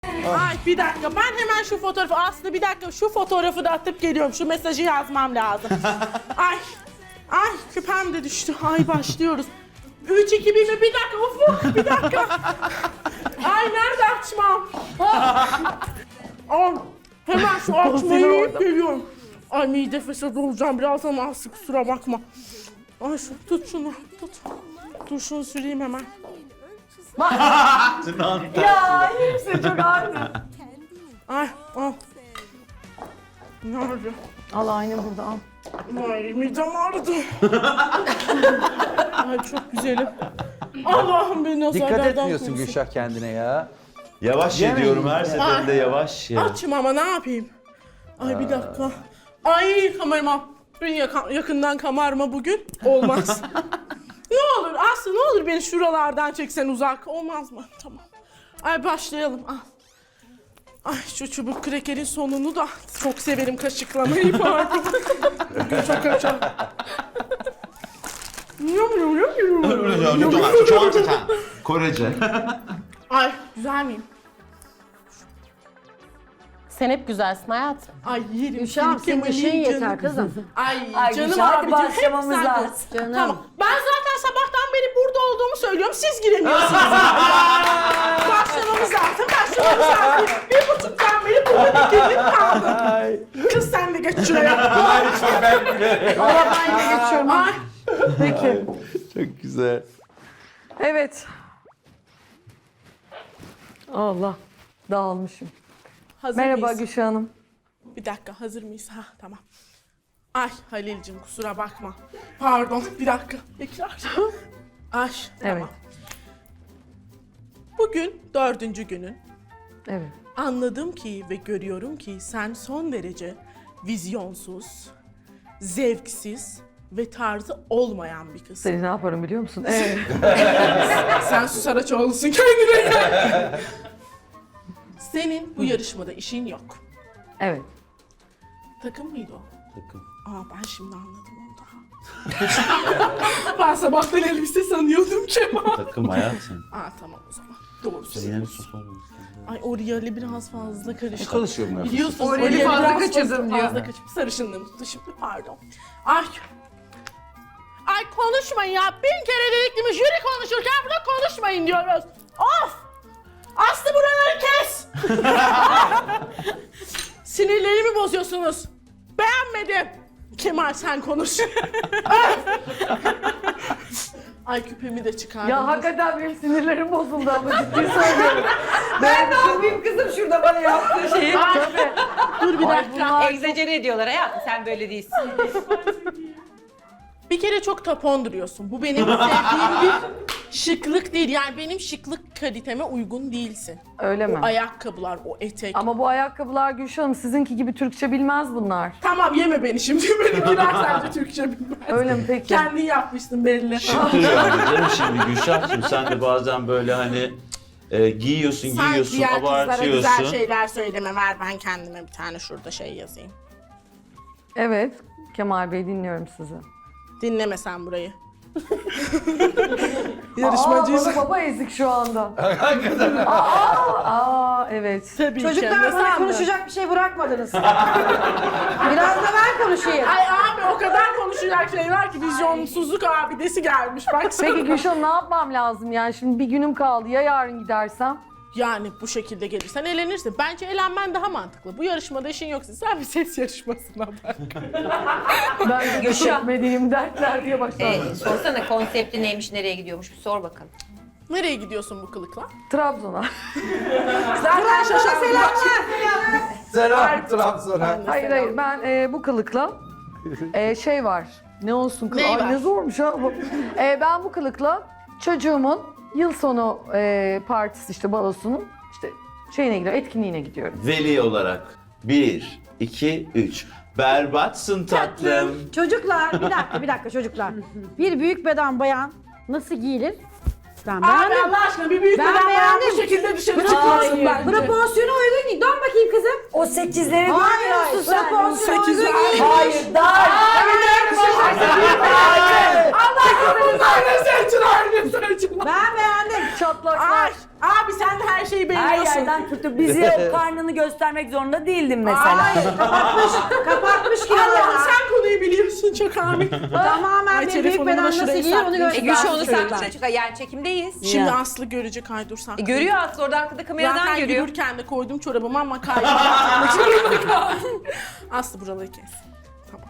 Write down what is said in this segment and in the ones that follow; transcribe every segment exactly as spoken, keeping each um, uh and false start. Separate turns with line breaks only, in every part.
Ay bir dakika, ben hemen şu fotoğrafı, aslında bir dakika şu fotoğrafı da atıp geliyorum. Şu mesajı yazmam lazım. Ay, ay küpem de düştü. Ay başlıyoruz. Üç, iki, bir mi? Bir dakika, ufuk, bir dakika. Ay nerede açmam? Ay, hemen şu açmayı yiyip geliyorum. Ay mide fesat olacağım biraz ama az kusura bakma. Ay şu, tut şunu, tut. Dur şunu süreyim hemen.
Ya hepsi çok aynı.
Ay, al. Nerede?
Al aynı burada al.
Ay midem ağrıdı. Ay çok güzelim. Allah'ım beni o
Dikkat
zarardan
etmiyorsun
korusun.
Gülşah kendine ya.
Yavaş ye
Yemeyin
diyorum her
ya.
seferinde yavaş ye.
Açım ama ne yapayım? Ay bir dakika. Ay kamerama. Beni yaka- yakından kamerama bugün. Olmaz. Ne olur Aslı, ne olur beni şuralardan çeksen uzak. Olmaz mı? Tamam. Ay başlayalım. Al. Ay şu çubuk krekerin sonunu da çok severim kaşıklamayı pardon. Bugün çok açar.
Korece.
Ay güzel miyim?
Sen hep güzelsin hayatım.
Ay yerim.
Gülşah'ım
seni,
senin
Kemal'im,
işin
canım.
yeter kızım.
Ay,
Ay
canım
Gülşah, hadi
abicim hep
başlamamız
sen
lazım.
konuş.
Canım.
Tamam. Ben zaten sabahtan beri burada olduğumu söylüyorum. Siz giremiyorsunuz. Başlamamız lazım. Başlamamız lazım. Bir buçuktan beri burada dikildim kaldım. Kız sen de geç şuraya.
Allah ben de geçiyorum.
Ay.
Peki.
Çok güzel.
Evet. Allah. Dağılmışım.
Hazır
Merhaba
mıyız?
Gülşah Hanım.
Bir dakika hazır mıyız? Ha tamam. Ay Halil'cim kusura bakma. Pardon bir dakika. Tekrar. Ay
Evet.
tamam. Bugün dördüncü günün.
Evet.
Anladım ki ve görüyorum ki sen son derece vizyonsuz, zevksiz ve tarzı olmayan bir kızsın.
Seni ne yaparım biliyor musun? Evet.
Sen Su Saraçoğlu'sun kendine gel. Senin bu yarışmada işin yok.
Evet.
Takım mıydı o?
Takım.
Aa ben şimdi anladım onu daha. Ben sabahtan elbise sanıyordum Kemal.
Takım hayatım.
Aa tamam o zaman. Doğru
Yine
söylüyorsun.
bir sus olmuş.
Ay Oriel'i biraz fazla karıştı.
Konuşuyorum ben.
Biliyorsun
Oriel'i fazla
biraz
kaçırdım diyor.
Fazla kaçıp sarışınlığımı tuttu şimdi pardon. Ay. Ay konuşmayın ya. Bin kere dedik değil mi? Jüri konuşurken burada konuşmayın diyoruz. Of! Aslı buraları kes! Sinirlerimi bozuyorsunuz. Beğenmedim. Kemal sen konuş. Ay küpemi de çıkardım.
Ya hakikaten benim sinirlerim bozuldu ama ciddi söylüyorum. Ben ne yapayım kızım şurada bana yaptığı şeyi? Tabii.
Dur bir dakika.
Egzecere ediyorlar hayatım, sen böyle değilsin.
Bir kere çok tapon duruyorsun. Bu benim sevdiğim bir şıklık değil. Yani benim şıklık kaliteme uygun değilsin.
Öyle mi?
Ayakkabılar, o etek.
Ama bu ayakkabılar Gülşah Hanım sizinki gibi Türkçe bilmez bunlar.
Tamam yeme beni şimdi. Benimkiler sadece Türkçe bilmez.
Öyle mi peki?
Kendin yapmışsın belli.
Şıktır yani canım şimdi Gülşah'cığım sen de bazen böyle hani e, giyiyorsun
Sen
giyiyorsun
diğer kızlara güzel
abartıyorsun.
şeyler söyleme. Ver ben kendime bir tane şurada şey yazayım.
Evet. Kemal Bey dinliyorum sizi.
Dinleme sen burayı.
Aa,
Yarışmacıyız.
bana baba ezik şu anda. Hakikaten. Aa, aa, evet.
Tabii ki.
Çocuklar
Ne
bana
sandın?
konuşacak bir şey bırakmadınız. Biraz da ben konuşayım.
Ay abi o kadar konuşacak şey var ki vizyonsuzluk abidesi gelmiş baksana.
Peki Gülşah Hanım ne yapmam lazım yani şimdi bir günüm kaldı ya yarın gidersem?
Yani bu şekilde gelirsen elenirsin. Bence elenmen daha mantıklı. Bu yarışmada işin yoksa sen bir ses yarışmasına bak.
Ben de
Gülşah.
çekmediğim dertler diye başladım.
Ee, sorsana konsepti neymiş, nereye gidiyormuş bir sor bakalım.
Nereye gidiyorsun bu kılıkla?
Trabzon'a.
Zaten şaşırdım.
Selam Trabzon'a.
Hayır hayır ben e, bu kılıkla e, şey var. Ne olsun kılık?
Ney
Ay
var?
ne zormuş ha bu. E, ben bu kılıkla çocuğumun yıl sonu e, partisi işte balosunun işte şeyine gidiyorum, etkinliğine gidiyorum.
Veli olarak bir, iki, üç. Berbatsın tatlım.
Çocuklar, bir dakika bir dakika çocuklar. Bir büyük beden bayan nasıl giyilir? Ben
Abi
beğendim.
Allah aşkına bir büyük
Ben
beden bayan
beğendim.
bu şekilde dışarı çıkmasın bence.
Proporsiyona uygun giy. Dön bakayım kızım.
O sekizleri
Hayır, proporsiyona uygun giy.
Hayır, dar.
Aynı seçin, aynı seçin.
Ben beğendim.
Çatlaklar.
Ay, abi sen de her şeyi
Her
beğeniyorsun.
yerden tutup bizi o karnını göstermek zorunda değildin mesela.
Ay,
Kapatmış, kapatmış
Allah,
kilolarını.
sen konuyu biliyorsun çok abi.
Tamamen
Ay,
bir büyük
telefonumu da
beden nasıl
şuraya
giyiyor onu
saklayayım.
E
göster.
Gülşah onu saklayacak çıkar. Yani çekimdeyiz.
Şimdi
Ya.
Aslı görecek, ay dur saklayayım.
E, görüyor Aslı orada arkada kameradan
Zaten
görüyor.
yürürken de koydum çorabımı ama kaydı. Zorunda kaldım. Aslı buraları kes. Tamam.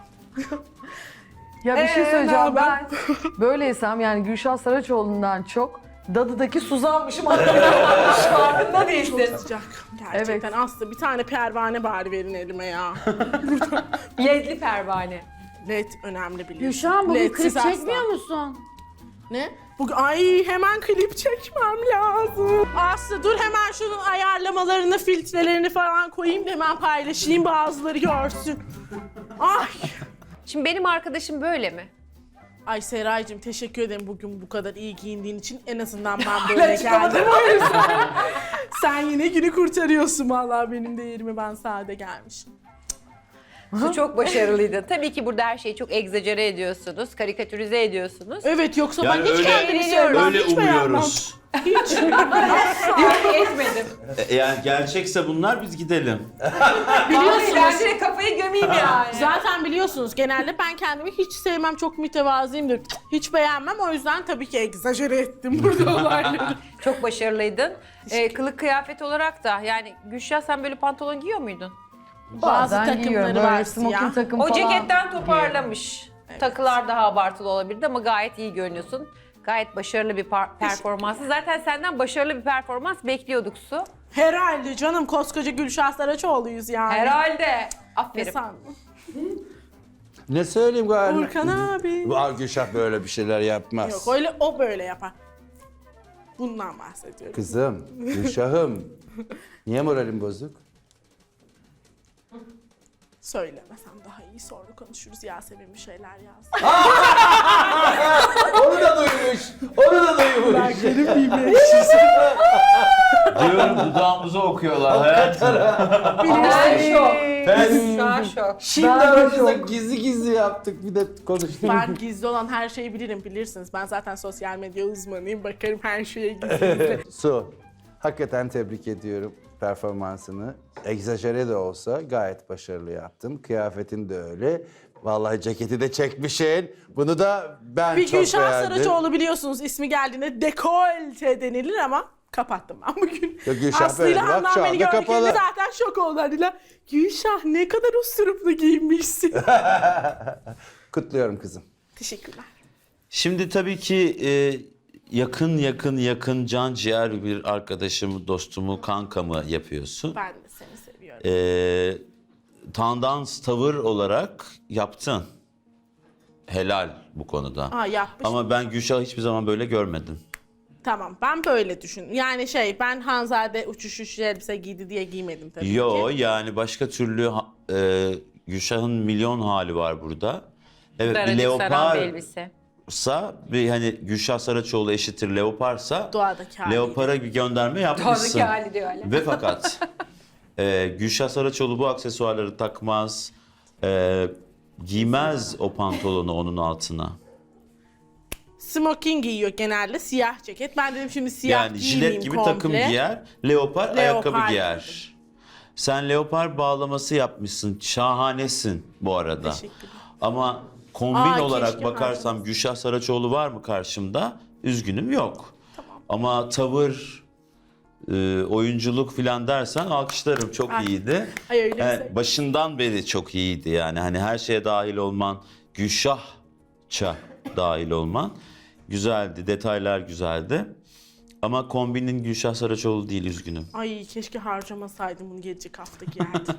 Ya bir şey
Ee,
söyleyeceğim.
ne
Ben böyleysem yani Gülşah Saraçoğlu'ndan çok Dadı'daki Suzan'mışım. Farkında değilsin.
Çok sıcak. Gerçekten Aslı bir tane pervane bari verin elime ya.
Ledli pervane.
Led önemli biliyorsun.
Gülşah'ım bugün
Ledsiz
klip
asla.
çekmiyor musun?
Ne? Bugün ay hemen klip çekmem lazım. Aslı dur hemen şunun ayarlamalarını, filtrelerini falan koyayım da hemen paylaşayım bazıları görsün. Ay.
Şimdi benim arkadaşım böyle mi?
Ay Seraycığım teşekkür ederim bugün bu kadar iyi giyindiğin için. En azından ben böyle geldim. O yüzden. Sen yine günü kurtarıyorsun vallahi, benim de yerime ben sade gelmişim.
Su çok başarılıydın. Tabii ki burada her şeyi çok egzajere ediyorsunuz, karikatürize ediyorsunuz.
Evet yoksa
Yani
ben hiç
öyle-
kendimi sevmem,
Öyle
hiç beğenmem.
umuyoruz.
Hiç.
Yok etmedim.
E, Yani gerçekse bunlar biz gidelim.
Biliyorsunuz. Ben direkt kafayı gömeyim yani.
Zaten biliyorsunuz genelde ben kendimi hiç sevmem, çok mütevazıyımdır. Hiç beğenmem, o yüzden tabii ki egzajere ettim burada olayları.
Çok başarılıydın. Ee, kılık kıyafet olarak da yani Gülşah sen böyle pantolon giyiyor muydun?
Bazı
Bazen giyiyorum,
takımları
böyle
var
smoking
siyah.
takım
O
falan.
ceketten toparlamış. Takılar daha abartılı olabilirdi ama gayet iyi görünüyorsun. Gayet başarılı bir par- performansı. Zaten senden başarılı bir performans bekliyorduk Su.
Herhalde canım, koskoca Gülşah Saraçoğlu'yuz yani.
Herhalde.
Ne
Aferin.
sandın?
Ne söyleyeyim galiba?
Urkan abi.
Bu Gülşah böyle bir şeyler yapmaz.
Yok öyle, o böyle yapar. Bundan bahsediyorum.
Kızım, Gülşah'ım. Niye moralin bozuk?
Söylemesem daha iyi, sonra konuşuruz. Yasemin bir şeyler yaz.
Onu da duymuş. Onu da duymuş.
Benim miyim?
Diyorum dudağımızı okuyorlar hayatım.
Ben şok.
Ben
Şu an şok.
şimdi
Ben de
aramızda
çok-
gizli gizli yaptık, bir de konuştuk.
Ben gizli olan her şeyi bilirim, bilirsiniz. Ben zaten sosyal medya uzmanıyım. Bakarım her şeye gizli.
Su, hakikaten tebrik ediyorum performansını. Egzajere de olsa gayet başarılı yaptın. Kıyafetin de öyle. Vallahi ceketi de çekmişsin. Bunu da ben
Bir
çok
Gülşah
beğendim.
Saraçoğlu biliyorsunuz ismi geldiğinde dekolte denilir ama kapattım ben bugün.
Ya Gülşah
Aslı ile
böyle, bak
Handan
şu
beni
anda
gördüklerinde
kapalı.
zaten şok oldular. Dediler, Gülşah ne kadar usturuplu giyinmişsin.
Kutluyorum kızım.
Teşekkürler.
Şimdi tabii ki e, yakın yakın yakın can ciğer bir arkadaşımı, dostumu, kankamı yapıyorsun.
Ben de seni seviyorum.
E, tandans tavır olarak yaptın. Helal bu konuda.
Aa yapmış.
Ama ben Gülşah'ı hiçbir zaman böyle görmedim.
Tamam, ben böyle düşün. Yani şey, ben Hanzade uçuş uçuş elbise giydi diye giymedim tabii
Yo
ki.
yani başka türlü ha- e, Gülşah'ın milyon hali var burada. Evet bir
Daracık saran bir
leoparsa
elbise.
bir hani Gülşah Saraçoğlu eşittir leoparsa
Doğadaki hali.
leopara bir gönderme yapmışsın.
Doğadaki hali diyor hala.
Ve fakat e, Gülşah Saraçoğlu bu aksesuarları takmaz, e, giymez o pantolonu onun altına.
Smoking giyiyor genelde, siyah ceket. Ben dedim şimdi siyah
Yani
giymeyeyim
jilet gibi
komple.
takım giyer, leopar,
Leopar.
ayakkabı giyer. Sen leopar bağlaması yapmışsın, şahanesin bu arada.
Teşekkürler.
Ama kombin
Aa,
olarak
keşke
bakarsam
harcamasın.
Gülşah Saraçoğlu var mı karşımda? Üzgünüm yok. Ama tavır, e, oyunculuk filan dersen alkışlarım, çok
Ay.
iyiydi.
Ay öyle
Yani
mi?
başından beri çok iyiydi yani. Hani her şeye dahil olman, Gülşahça dahil olman güzeldi. Detaylar güzeldi. Ama kombinin Gülşah Saraçoğlu değil, üzgünüm.
Ay keşke harcamasaydım bunu, gelecek hafta giyerdim.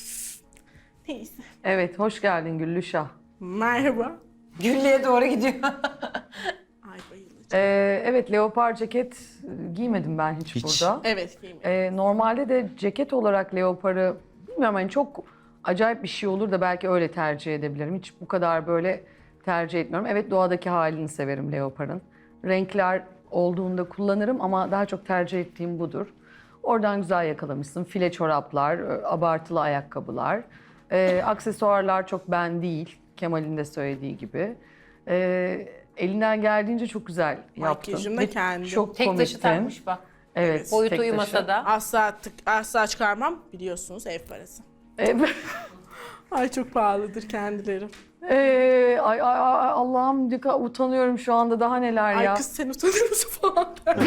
Neyse.
Evet, hoş geldin Güllüşah.
Merhaba.
Güllü'ye doğru gidiyor.
Ay bayılacağım.
Ee, evet, leopar ceket giymedim ben hiç,
Hiç.
burada.
Evet giymedim.
Ee, normalde de ceket olarak leoparı bilmiyorum, hani çok acayip bir şey olur da belki öyle tercih edebilirim. Hiç bu kadar böyle tercih etmiyorum. Evet, doğadaki halini severim leoparın. Renkler olduğunda kullanırım ama daha çok tercih ettiğim budur. Oradan güzel yakalamışsın. File çoraplar, abartılı ayakkabılar. Ee, aksesuarlar çok ben değil. Kemal'in de söylediği gibi. Ee, elinden geldiğince çok güzel yaptın.
Makyajım da
Ve
kendi.
Çok
Tek taşı
komiktin.
takmış bak.
Evet.
Boyutu
tek taşı.
uyumasa da.
Asla, tık, asla çıkarmam. Biliyorsunuz ev parası.
Evet.
Ay çok pahalıdır kendileri.
Ee, ay, ay, ay, Allah'ım ne kadar utanıyorum şu anda, daha neler
Ay
ya.
kız sen utanır mısın falan.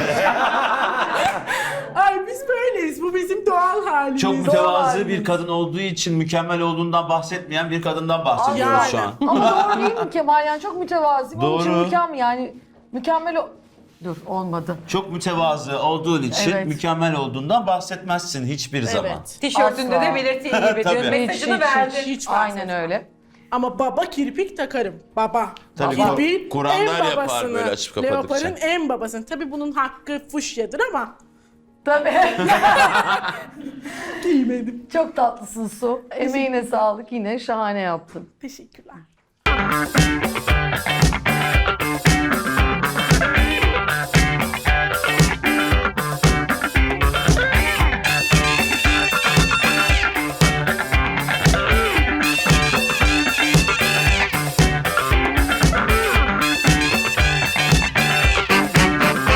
Ay biz böyleyiz. Bu bizim doğal halimiz.
Çok
Doğal
mütevazı
halimiz.
bir kadın olduğu için mükemmel olduğundan bahsetmeyen bir kadından bahsediyoruz
Yani.
şu an.
Ama doğru değil mi Kemal? Yani çok mütevazi. Onun için
Doğru.
mükemmel yani. Mükemmel o... Dur olmadı.
Çok mütevazı olduğun için
Evet.
mükemmel olduğundan bahsetmezsin hiçbir zaman.
Evet.
Tişörtünde
Asla.
de belirttiği gibi.
Tabii.
Dün mesajını
Hiç,
verdi.
hiç,
Hiç
Aynen
bahsetmem.
öyle.
Ama baba kirpik takarım. Baba.
Tabii,
Kirpiğin
Kur'anlar
en
yapar
babasını,
böyle açıp kapadıkça.
Leopar'ın en babasını. Tabii bunun hakkı fuşyadır ama
Tabii.
giymedim.
Çok tatlısın Su. Emeğine sağlık, yine şahane yaptın.
Teşekkürler.